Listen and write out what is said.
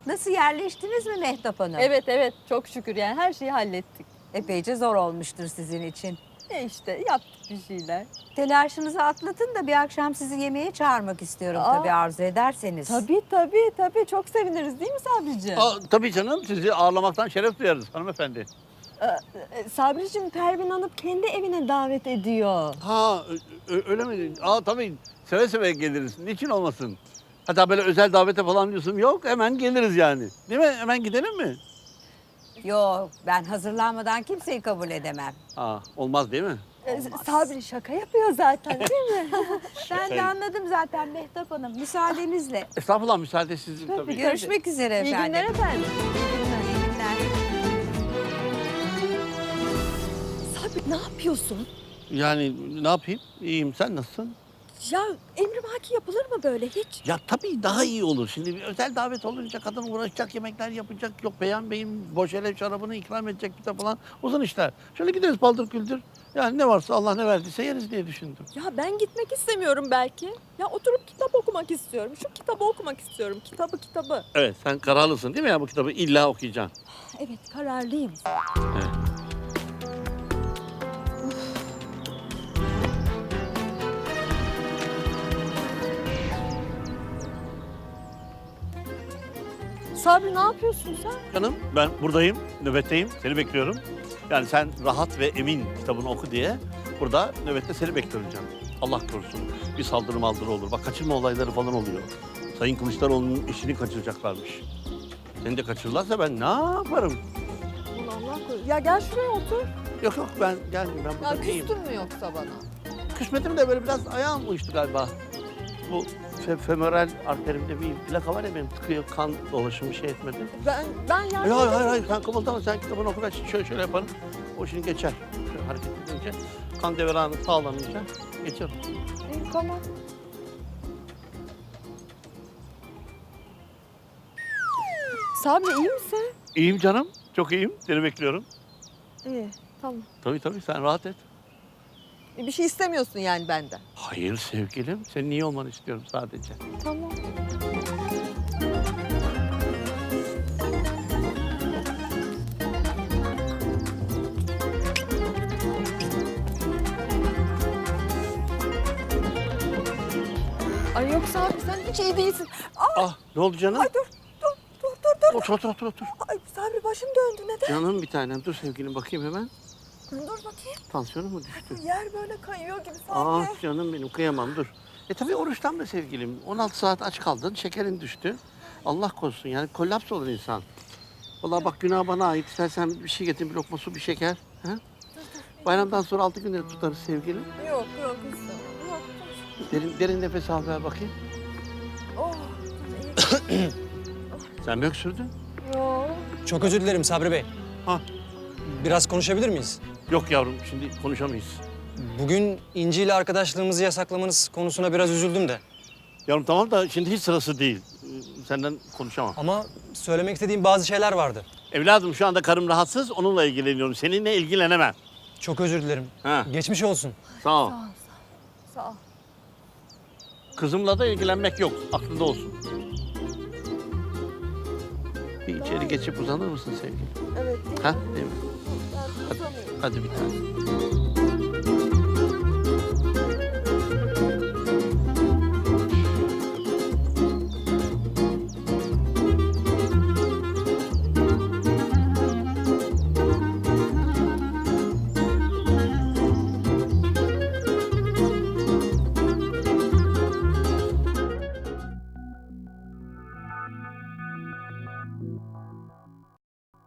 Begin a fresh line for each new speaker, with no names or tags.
Nasıl yerleştiniz mi Mehtap Hanım?
Evet evet çok şükür yani her şeyi hallettik.
Epeyce zor olmuştur sizin için.
İşte yaptık bir şeyler.
Telaşınızı atlatın da bir akşam sizi yemeğe çağırmak istiyorum tabii arzu ederseniz.
Tabii çok seviniriz değil mi Sabri'ciğim?
Tabii canım, sizi ağırlamaktan şeref duyarız hanımefendi.
Sabri'ciğim Pervin Hanım kendi evine davet ediyor.
Öyle mi? Tabii seve seve geliriz. Niçin olmasın? Hatta böyle özel davete falan diyorsun. Yok, hemen geliriz yani. Değil mi? Hemen gidelim mi?
Yok, ben hazırlanmadan kimseyi kabul edemem.
Olmaz değil mi?
Sabri şaka yapıyor zaten değil mi?
Ben de anladım zaten Mehtap Hanım. Müsaadenizle.
Estağfurullah, müsaade sizin tabii.
Görüşmek üzere
İyi
efendim.
günler efendim.
İyi günler.
Sabri ne yapıyorsun?
Yani ne yapayım? İyiyim. Sen nasılsın?
Ya emrivaki yapılır mı böyle hiç?
Ya tabii daha iyi olur. Şimdi bir özel davet olunca kadın uğraşacak, yemekler yapacak. Yok Beyhan Bey'in boşelev şarabını ikram edecek bir de falan. Uzun işler. Şöyle gideriz paldır küldür. Yani ne varsa Allah ne verdiyse yeriz diye düşündüm.
Ya ben gitmek istemiyorum belki. Ya oturup kitap okumak istiyorum. Şu kitabı okumak istiyorum. Kitabı.
Evet, sen kararlısın değil mi ya bu kitabı illa okuyacaksın?
Evet kararlıyım.
Evet.
Sabri ne yapıyorsun sen?
Canım ben buradayım, nöbetteyim, seni bekliyorum. Yani sen rahat ve emin kitabını oku diye burada nöbette seni bekliyorum canım. Allah korusun bir saldırı maldırı olur. Bak kaçırma olayları falan oluyor. Sayın Kılıçdaroğlu'nun işini kaçıracaklarmış. Seni de kaçırırlarsa ben ne yaparım?
Allah korusun. Ya gel şuraya otur.
Yok ben gelmeyeyim, ben
Ya
burada iyiyim.
küstün mü yoksa bana?
Küsmedim de böyle biraz ayağım uyuştu galiba. Bu femoral arterimde bir plaka var ya benim tıkıyor, kan dolaşımı şey etmedi.
Ben yardım
Hayır sen kımıldama, sen kitabını oku, ben şöyle yaparım. O şimdi geçer. Şöyle hareket edince, kan devranı sağlanınca geçer.
İyi, tamam. Sabri iyi misin?
İyiyim canım, çok iyiyim. Seni bekliyorum.
İyi, tamam.
Tabii sen rahat et.
Bir şey istemiyorsun yani benden.
Hayır sevgilim, senin iyi olmanı istiyorum sadece.
Tamam. Ay yoksa abi sen hiç iyi değilsin.
Ne oldu canım?
Ay dur.
Otur.
Ay Sabri başım döndü neden?
Canım bir tanem, dur sevgilim bakayım hemen.
Dur bakayım.
Tansiyonun mu düştü?
Yer böyle kayıyor gibi sanki.
Canım benim, kıyamam dur. Tabii oruçtan be sevgilim. 16 saat aç kaldın, şekerin düştü. Allah korusun yani kollaps olur insan. Vallahi bak günah bana ait. İstersen bir şey getir, bir lokma su, bir şeker. Ha? Bayramdan sonra 6 günleri tutarız sevgilim.
Yok istemem. Yok.
Derin nefes al ver bakayım.
Oh.
Sen mi öksürdün?
Yok.
Çok özür dilerim Sabri Bey. Biraz konuşabilir miyiz?
Yok yavrum, şimdi konuşamayız.
Bugün İnci ile arkadaşlığımızı yasaklamanız konusuna biraz üzüldüm de.
Yavrum tamam da şimdi hiç sırası değil. Senden konuşamam.
Ama söylemek istediğim bazı şeyler vardı.
Evladım şu anda karım rahatsız, onunla ilgileniyorum. Seninle ilgilenemem.
Çok özür dilerim.
Ha.
Geçmiş olsun.
Sağ ol.
Sağ ol.
Kızımla da ilgilenmek yok, aklında olsun. Bir içeri geçip uzanır mısın sevgilim?
Evet.
Ha, değil mi?
Ben uzanayım.
Hadi bir tane.